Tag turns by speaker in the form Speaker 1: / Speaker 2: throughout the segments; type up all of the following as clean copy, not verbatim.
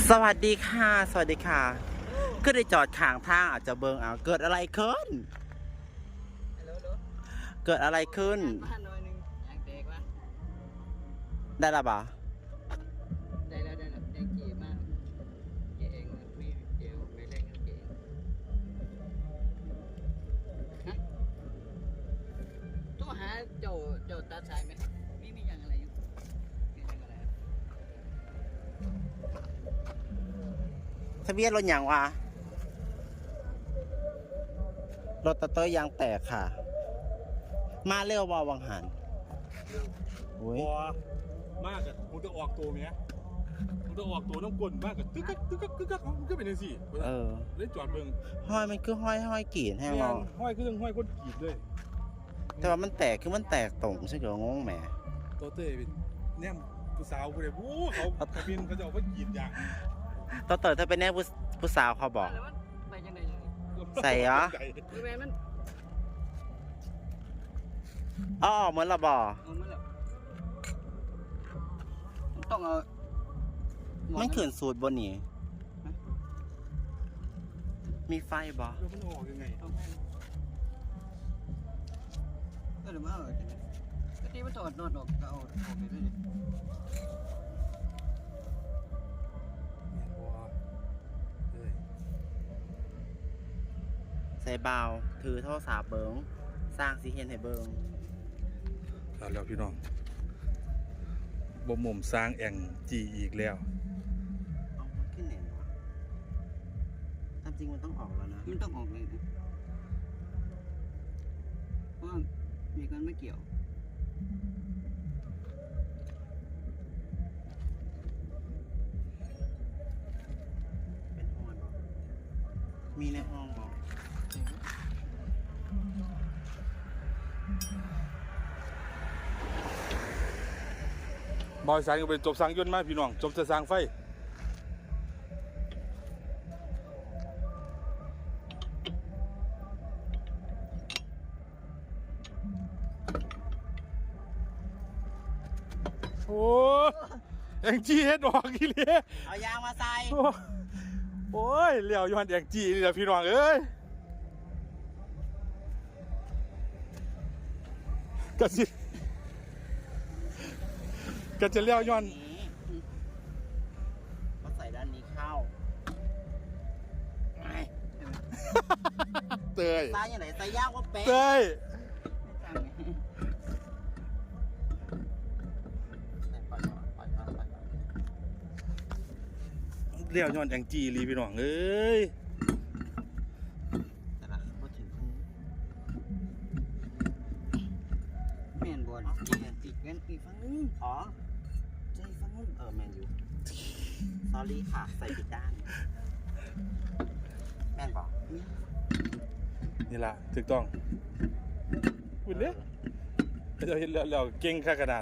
Speaker 1: สวัสดีค่ะสวัสดีค่ะก็ได้จอดข้างทางอาจจะเบิ่งเกิดอะไรขึ้นเกิดอะไรขึ้นได้ละบ่
Speaker 2: ได้แล้วแดงเก๋มากเก๋เองไม่เก๋ไม่แรงเก๋ฮะตัวหาเจ้าตาชายไหมมีอย่างอะไรอยู่มีอย่างอะไร
Speaker 1: ทะเบียนรถอย่างวะรถตะเตยยางแตกค่ะมาเร็วบ่วังหันโอ้ย
Speaker 3: มากอะมึงจะออกตัวไหมมึงจะออกตัวน้ำกลนมากอะตึ๊กมันก็เป็นยังสิเล่นจอดเบิ่ง
Speaker 1: ห้อยมันคือห้อยกีดแห้งเนาะ
Speaker 3: ห้อยคือเรื่องห้อยคนกีดเลย
Speaker 1: แต่ว่ามันแตกคือมันแตกตรงใช่เหรองงแหม
Speaker 3: ตัวเต้เป็นแนมผู้สาวคนเดียวเขาบินเขาจะเอาไปกีดอย่าง
Speaker 1: ตะเตยถ้าเป็นแน่ผู้สาวเขาบอก
Speaker 2: ไปยังไง
Speaker 1: ใส่เหรอ
Speaker 2: คือแม่มัน
Speaker 1: อ๋อเหมือนละบ่
Speaker 2: ต้องเอา
Speaker 1: มันขืนสูตรบนนี้มีไฟบ่
Speaker 3: แล้วมันออกยังไง
Speaker 2: ก็เลยมาก็ที่มันถอดนอดออกก็เอาออกไปด้วย
Speaker 1: ใส่เบาถือโทรศัพท์เบิ้งสร้างสีเห็นให้เบิ้ง
Speaker 3: แล้วพี่น้องบ่มุมสร้างแอ่งจีอีกแล้ว
Speaker 1: เอามันขึ้นแหน่วะตามจริงมันต้องออกแล้วนะ
Speaker 2: มันต้องออกเลยนะเพราะมีกันไม่เกี่ยว
Speaker 1: เป็นห้องบอกมีในห้องบอก
Speaker 3: บอยสายก็เป็นจบสร้างยนต์มาพี่น้องจบจะสร้างไฟโอ้แองจี้เฮ็ดออกอีเลย
Speaker 1: เอายางมาใส่
Speaker 3: โอ้ยเลี้ยวย้อนแองจี้นี่แหละพี่น้องเอ้ยก็จะเลี้ยวย้อน
Speaker 1: มาใส่ด้านนี้เข้า
Speaker 3: เตย
Speaker 1: ใส่ยังไงใส่ยากว่าเป๊ะ
Speaker 3: เตยเลี้ยวย้อนแองจี้ลีพี่น้องเอ้ย
Speaker 1: แต่ละพอถึง
Speaker 2: แม่นบอลติดกันอีกฝั่งนึง
Speaker 1: อ๋อใจฟังแมนยูสอรี่ค่ะใส่ผิดด้านแมนบอก
Speaker 3: นี่ล่ะถูกต้องคุณเนี่ยเราเห็นแล้วเก่งค่ากระดาษ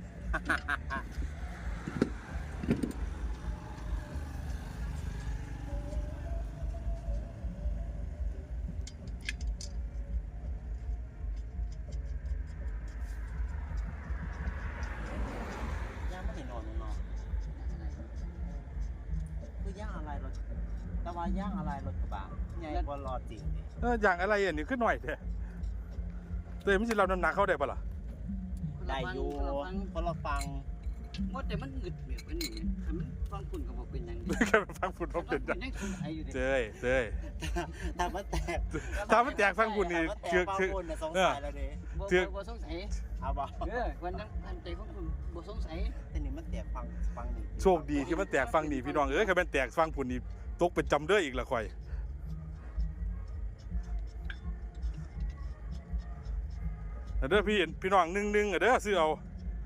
Speaker 1: ย่างอะไรรถแต่ว่าย่างอะไรรถกระบะใหญ่กว่ารอจริง
Speaker 3: อย่างอะไรอันนี้ขึ้นหน่อยเถอะเตยไม่ใช่เราน้ำหนักเข้าได้ปะล่ะ
Speaker 1: ได้อยู่เพราะเราฟัง
Speaker 2: ว่าแต่มันหงึดแบบนี้มันฟังฝุ่นกับบอกเป็นยัง
Speaker 3: แค่ฟังฝุ่นเขาเป็นยังเตย
Speaker 1: ถ้ามันแตก
Speaker 3: ฟังฝุ่นนี่คือ
Speaker 1: สงสัยแล้วดิ
Speaker 2: บ่สงสัย
Speaker 1: เอาบ่
Speaker 2: วันนั้นอันใจฟังฝุ่นบ่สงสัย
Speaker 1: แต่นี่มันแตกฟังนี่
Speaker 3: โชคดีที่มันแตกฟังนี่พี่น้องแค่มันแตกฟังฝุ่นนี่ตกเป็นจำเด้ออีกละคอยเด้อพี่น้องนึ่งเด้อซื้อเอา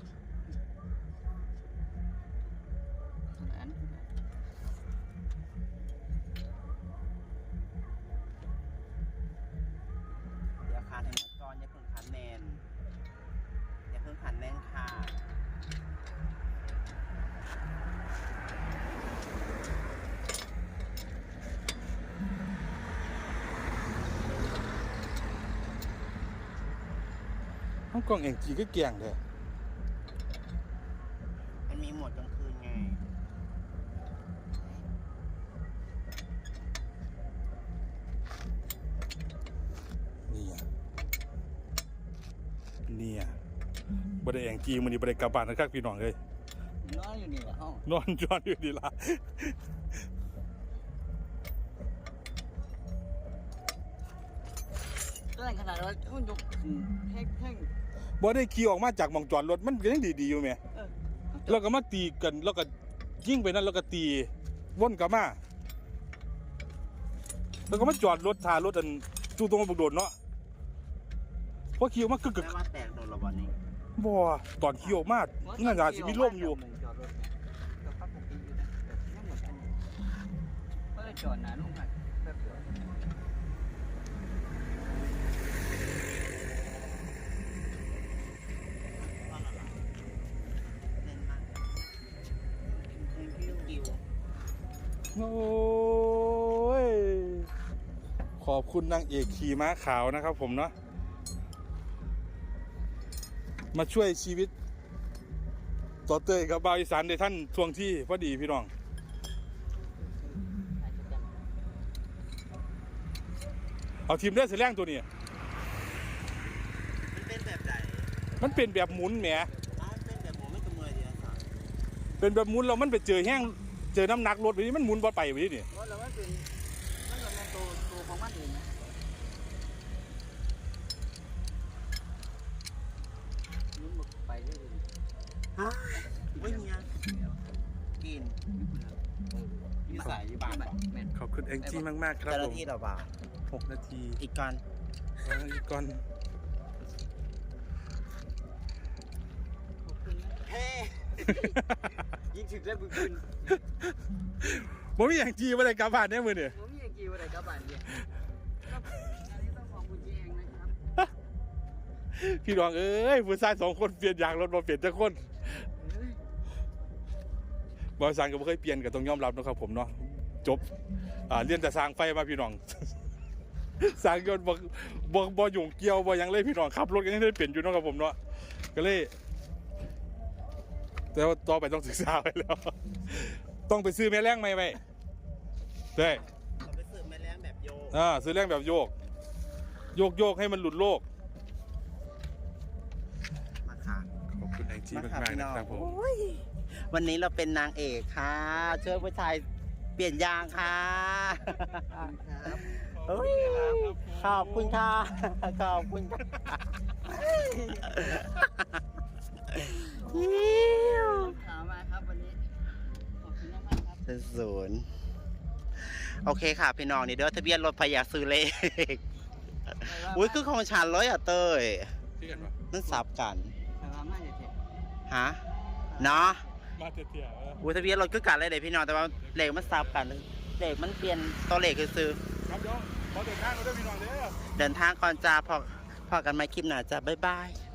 Speaker 1: เดี๋ยวคานให้มันก่อนอย่าเพิ่งคันแน่นอย่าเพิ่งคันแน่นค่ะ
Speaker 3: ห้องกล้องแองจี้ก็เกี่ยงเลย
Speaker 1: มันมีโหมดกลางคืนไง
Speaker 3: บ่ได้แองจี้มื้อนี้บ่ได้กลับบ้านนะครับพี่น้องเอ้ย
Speaker 2: นอนอยู่นี่แหละห้อง
Speaker 3: นอนจอนอยู่ดีล่ะ
Speaker 2: ก็ในขนาดว่ามันยกขึ้นแท่ง
Speaker 3: บ่ได้ขี่ออกมาจากหม่องจอดรถมันก็ยังดีๆอยู่แหม
Speaker 2: เออ
Speaker 3: แล้วก็มาตีกันแล้วก็ยิงไปนั่นแล้วก็ตีวนกลับมาแล้วก็มาจอดรถท่ารถอันจู่ตรงบักโดดเนาะพอขี่ออกมากึก
Speaker 1: แม่ว่าแตกโดนระวันนี้
Speaker 3: ๆบ่ตอนขี่ออกมาน่าจะสิมีลมอยู่
Speaker 2: จอดรถก็ปกติอยู่นะแต่ยังหมดอันนี้ก็เลยจอดนะลุงค่ะแป๊บเดียว
Speaker 1: เล่นมากกิว
Speaker 3: โอ้ยขอบคุณนางเอกขี่ม้าขาวนะครับผมเนาะมาช่วยชีวิตต่อเตยกับบ่าวอีสานในท่านทวงที่พอดีพี่น้องเอาทีมได้เสียแรงตัวนี้
Speaker 1: มันเป็นแบบไหน
Speaker 3: มันเป็นแบบหมุนแหม
Speaker 1: มันเป็นแบบหมูไม่กระเมยเดียวสัน
Speaker 3: เป็นแบบหมุนแล้วมันไปเจอแห้งเจอน้ำหนักรถไปนี่มันหมุนบ่ไปไปนี่
Speaker 2: เพราะเรามันเป็นตัวของมันเองนะนุ่มไปเรื่อย
Speaker 1: ฮะไม่มีอ่ะกินมีสายอยู่บ้านป่ะ
Speaker 2: แม่น
Speaker 3: ขอบคุณแองจี้มากๆครับ
Speaker 1: เจ้าห
Speaker 3: ผ
Speaker 1: น้าม ที่เราบ่า
Speaker 3: 6 นาที
Speaker 1: อีกก่อน
Speaker 3: อีกก่อน
Speaker 2: ขอบคุณนะ
Speaker 1: เฮ้
Speaker 2: ยิ่งถึงได้บุญคุณ
Speaker 3: ผมมีแองจี้มาเลยกลับบ้านเนี่ยมือเนี่ย
Speaker 2: ผมมีกี่วันไหนกับบ้านเนี่ยอันนี้ต้องของคุณเองนะครับ
Speaker 3: พี่น้องเอ้ยผู้ชาย2 คนเปลี่ยนยางรถมาเปลี่ยนจักคนบริษัทก็ไม่เคยเปลี่ยนก็ต้องยอมรับนะครับผมเนาะจบเรียนแต่สร้างไฟมาพี่น้อง สร้างยนต์บ่ยุ่งเกี่ยวบ่หยังเลยพี่น้องขับรถก็ยังได้เปลี่ยนอยู่เนาะครับผมเนาะก็เลยแต่ว่าต่อไปต้องศึกษาไว้แล้ว ต้องไปซื้อแม่แรงใหม่ไปได้
Speaker 1: เราไปซื้อแม่แรงแบบโย
Speaker 3: ซื้อแรงแบบโยกให้มันหลุดโลก
Speaker 1: มาค่ะ
Speaker 3: ขอบคุณแองจี้มากๆนะครับผม
Speaker 1: วันนี้เราเป็นนางเอกค่ะช่วยผู้ชายเปลี่ยนยางค่ะ
Speaker 2: ครับ
Speaker 1: เฮ้ยขอบคุณค่ะ ขอบคุณค่ะ
Speaker 2: ถามมาครับวันนี้ขอบคุณมากครับ
Speaker 1: เป็นศูนย์โอเคค่ะพี่น้องนี่เด้อทะเบียนรถพยาซื้อเลขอุ้ยคือของฉันเลยอ่ะเต้ย
Speaker 3: ที่กันวะ
Speaker 1: นั่นสับกัน
Speaker 2: แต่ว่ามาเถอะ
Speaker 1: ฮะเนาะ
Speaker 3: มาเถี่ย
Speaker 1: อุ้ยทะเบียนรถคือกันเลยเด้พี่น้องแต่ว่าเลขมันสับกันเลขมันเปลี่ยนตัวเลขคือซื้อ
Speaker 3: ครับเดี๋ยวขอเดินทางเราด้วยพี่น้องเด้อ
Speaker 1: เดินทางก่อนจ้าพอกันไหมคลิปหน้าจ้าบ๊ายบาย